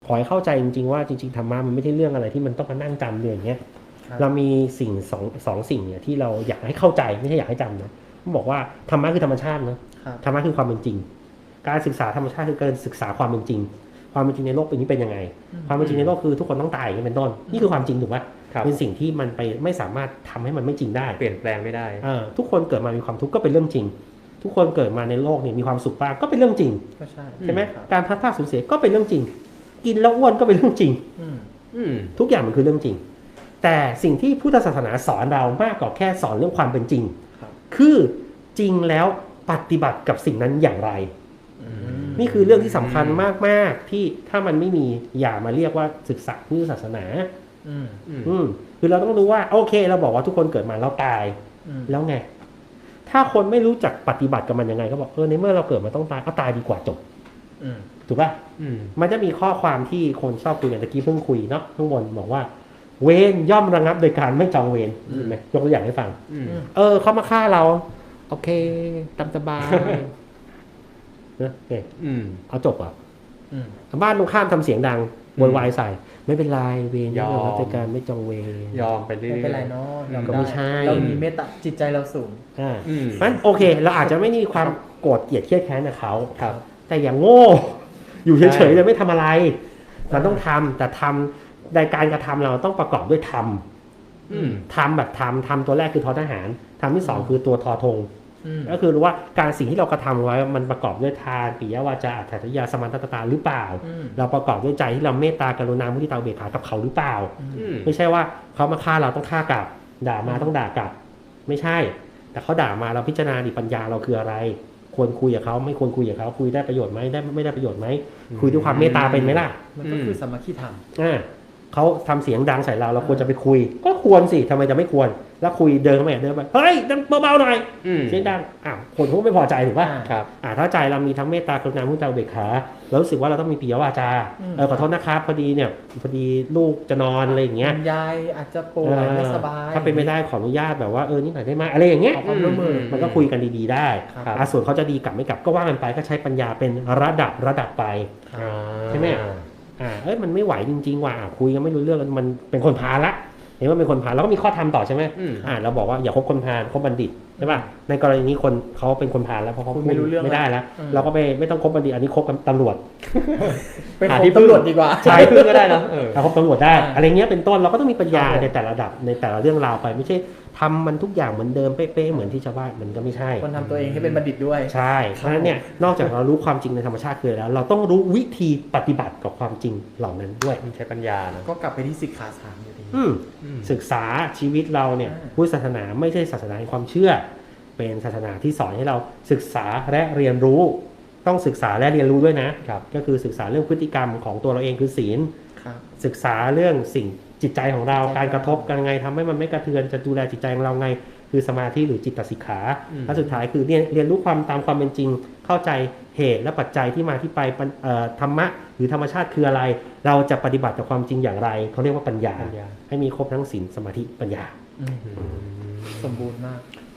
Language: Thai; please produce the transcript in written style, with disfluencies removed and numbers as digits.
อให้เข้าใจจริงๆว่าจริงๆธรรมะมันไม่ใช่เรื่องอะไรที่มันต้องมานั่งจำเลยอย่างเงี้ยเรามีสิ่งสองสิ่งเนี่ยที่เราอยากให้เข้าใจไม่ใช่อยากให้จำนะผมบอกว่าธรรมะคือธรรมชาตินะธรรมะคือความเป็นจริงการศึกษาธรรมชาติคือการศึกษาความเป็นจริงความเป็นจริงในโลกเป็นนี้เป็นยังไงความเป็นจริงในโลกคือทุกคนต้องตายอย่างนี้เป็นต้นนี่คือความจริงถูกไหมเป็นสิ่งที่มันไปไม่สามารถทำให้มันไม่จริงได้เปลี่ยนแปลงไม่ได้ทุกคนเกิดมามีความทุกข์ก็เป็นเรื่องจริงทุกคนเกิดมาในโลกเนี่ยมีความสุขบ้างก็เป็นเรื่องจริงใช่ไหมการพลัดพรากสูญเสียก็เป็นเรื่องจริงกินแล้วอ้วนก็เป็นเรื่องจริงทุกอย่างมันคือเรื่องจริงแต่สิ่งที่พุทธศาสนาสอนเรามากกว่าแค่สอนเรื่องความเป็นจริงคือจริงแล้วปฏิบัติกับสิ่งนั้นอย่างไรนี่คือเรื่องที่สำคัญมากๆที่ถ้ามันไม่มีอย่ามาเรียกว่าศึกษาพุทธศาสนาคือเราต้องรู้ว่าโอเคเราบอกว่าทุกคนเกิดมาแล้วตายแล้วไงถ้าคนไม่รู้จักปฏิบัติกับมันยังไงก็บอกในเมื่อเราเกิดมาต้องตายเอาตายดีกว่าจบถูกป่ะมันจะมีข้อความที่คนชอบคุยกันตะกี้เพิ่งคุยเนาะข้างบนบอกว่าเวรย่อมระงับโดยการไม่จองเวรเห็นไหมยกตัวอย่างให้ฟังเขามาฆ่าเราโอเคตามสบายนะเอาจบอ่ะบ้านตรงข้ามทำเสียงดังโวยวายใส่ไม่เป็นไรเวรย่อมระงับโดยการไม่จองเวรยอมไปเรื่อยไม่เป็นไรเนาะก็ไม่ใช่เรามีเมตตาจิตใจเราสูงงั้นโอเคเราอาจจะไม่มีความโกรธเกลียดเครียดแค้นกับเขาแต่อย่างโง่อยู่เฉยๆเลยไม่ทำอะไรมันต้องทำแต่ทำในการกระทำเราต้องประกอบด้วยทำแบบทำตัวแรกคือทอทหารทำที่สองคือตัวทอธงก็คือรู้ว่าการสิ่งที่เรากระทำไว้มันประกอบด้วยทานปิยวาจาอัตถยาสมันตตาหรือเปล่าเราประกอบด้วยใจที่เราเมตตากรุณามุทิตาอุเบกขากับเขาหรือเปล่าไม่ใช่ว่าเขามาฆ่าเราต้องฆ่ากลับด่ามาต้องด่ากลับไม่ใช่แต่เขาด่ามาเราพิจารณาดิปัญญาเราคืออะไรควรคุยกับเขาไม่ควรคุยกับเขาคุยได้ประโยชน์ไหมได้ไม่ได้ประโยชน์ไหมคุยด้วยความเมตตาเป็นไหมล่ะมันก็คือสมัคคีธรรมเขาทำเสียงดังใส่เราควรจะไปคุยก็ควรสิทำไมจะไม่ควรแล้วคุยเดินเข้าไปเฮ้ยดังเบาๆหน่อยเสียงดังคนเขาไม่พอใจถูกป่ะถ้าใจเรามีทั้งเมตตากรุณามุทิตาอุเบกขาแล้วรู้สึกว่าเราต้องมีปิยวาจาขอโทษนะครับพอดีลูกจะนอนอะไรอย่างเงี้ยยายอาจจะป่วยไม่สบายถ้าเป็นไม่ได้ขออนุญาตแบบว่านี่หน่อยได้ไหมอะไรอย่างเงี้ยมันก็คุยกันดีๆได้ส่วนเขาจะดีกลับไม่กลับก็ว่ากันไปก็ใช้ปัญญาเป็นระดับไปใช่ไหมมันไม่ไหวจริงๆว่ะคุยกันไม่รู้เรื่องมันเป็นคนพาลละเห็นว่าเป็นคนพาลแล้วก็มีข้อธรรมต่อใช่ไหมเราบอกว่าอย่าคบคนพาลคบบัณฑิตใช่ป่ะในกรณีนี้คนเขาเป็นคนพาลแล้วเพราะเขาไม่รู้เรื่องไม่ได้แล้วเราก็ไม่ต้องคบบัณฑิตอันนี้คบกับตำรวจไปหาที่ตำรวจดีกว่าใช่พึ่งก็ได้นะเราคบตำรวจได้อะไรเงี้ยเป็นต้นเราก็ต้องมีปัญญาในแต่ละระดับในแต่ละเรื่องราวไปไม่ใช่ทำมันทุกอย่างเหมือนเดิมเป๊ะๆเหมือนที่ชาวบ้านมันก็ไม่ใช่คนทำตัวเองให้เป็นบัณฑิตด้วยใช่เพราะฉะนั้นเนี่ยนอกจากเรารู้ความจริงในธรรมชาติคือแล้วเราต้องรู้วิธีปฏิบัติกับความจริงเหล่านั้นด้วยใช้ปัญญานะก็กลับไปที่สิกขาสามอยู่ดีศึกษาชีวิตเราเนี่ยพุทธศาสนาไม่ใช่ศาสนาแห่งความเชื่อเป็นศาสนาที่สอนให้เราศึกษาและเรียนรู้ต้องศึกษาและเรียนรู้ด้วยนะก็คือศึกษาเรื่องพฤติกรรมของตัวเราเองคือศีลศึกษาเรื่องสิ่งจิตใจของเราการกระทบกันไงทำให้มันไม่กระเทือนจะดูแลจิตใจของเราไงคือสมาธิหรือจิตตสิกขาและสุดท้ายคือเรียนรู้ความตามความเป็นจริงเข้าใจเหตุและปัจจัยที่มาที่ไปธรรมะหรือธรรมชาติคืออะไรเราจะปฏิบัติกับความจริงอย่างไรเขาเรียกว่าปัญญาให้มีครบทั้งศีลสมาธิปัญญาสมบูรณ์มาก